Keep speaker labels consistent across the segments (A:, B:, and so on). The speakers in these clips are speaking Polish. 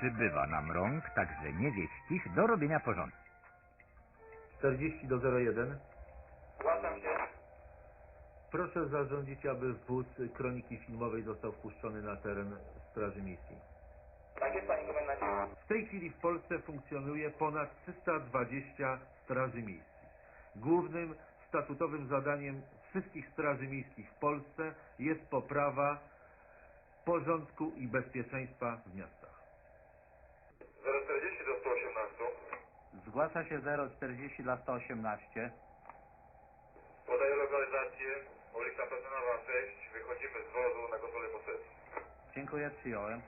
A: przybywa nam rąk, także niewieścich, do robienia porządku.
B: 40 do 01.
C: Zgłaszam się.
B: Proszę zarządzić, aby wóz kroniki filmowej został wpuszczony na teren Straży Miejskiej.
C: Tak jest, panie komendancie.
B: W tej chwili w Polsce funkcjonuje ponad 320 straży miejskich. Głównym statutowym zadaniem wszystkich straży miejskich w Polsce jest poprawa porządku i bezpieczeństwa w miastach.
C: 040 do 118.
D: Zgłasza się 040 dla 118.
C: Podaję lokalizację. Ulica Petynowa 6. Wychodzimy z wozu na kontrolę posesji.
D: Dziękuję, przyjąłem.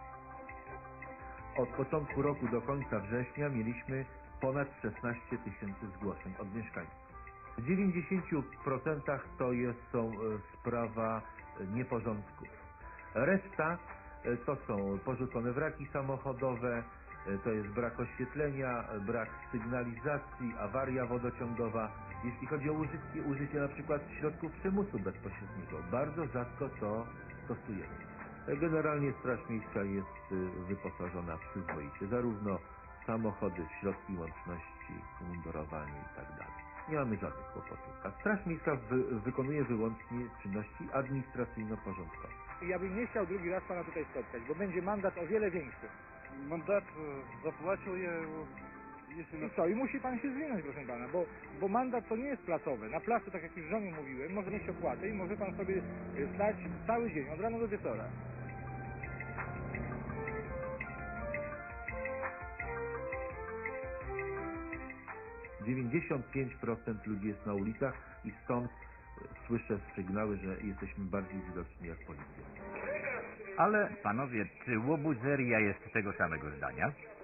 B: Od początku roku do końca września mieliśmy ponad 16 tysięcy zgłoszeń od mieszkańców. W 90% są sprawa nieporządków. Reszta to są porzucone wraki samochodowe, to jest brak oświetlenia, brak sygnalizacji, awaria wodociągowa. Jeśli chodzi o użycie na przykład środków przymusu bezpośredniego, bardzo rzadko to stosujemy. Generalnie Straż Miejska jest wyposażona przyzwoicie, zarówno samochody, środki łączności, umundurowanie itd. Nie mamy żadnych kłopotów. A Straż Miejska wykonuje wyłącznie czynności administracyjno-porządkowe.
E: Ja bym nie chciał drugi raz pana tutaj spotkać, bo będzie mandat o wiele większy.
F: Mandat zapłacił je jeszcze
E: I co? I musi pan się zwinąć, proszę pana, bo mandat to nie jest placowy. Na placu, tak jak już żonie mówiłem, może mieć opłatę i może pan sobie stać cały dzień, od rana do wieczora.
B: – 95% ludzi jest na ulicach i stąd słyszę sygnały, że jesteśmy bardziej widoczni jak policja.
A: Ale, panowie, czy łobuzeria jest tego samego zdania?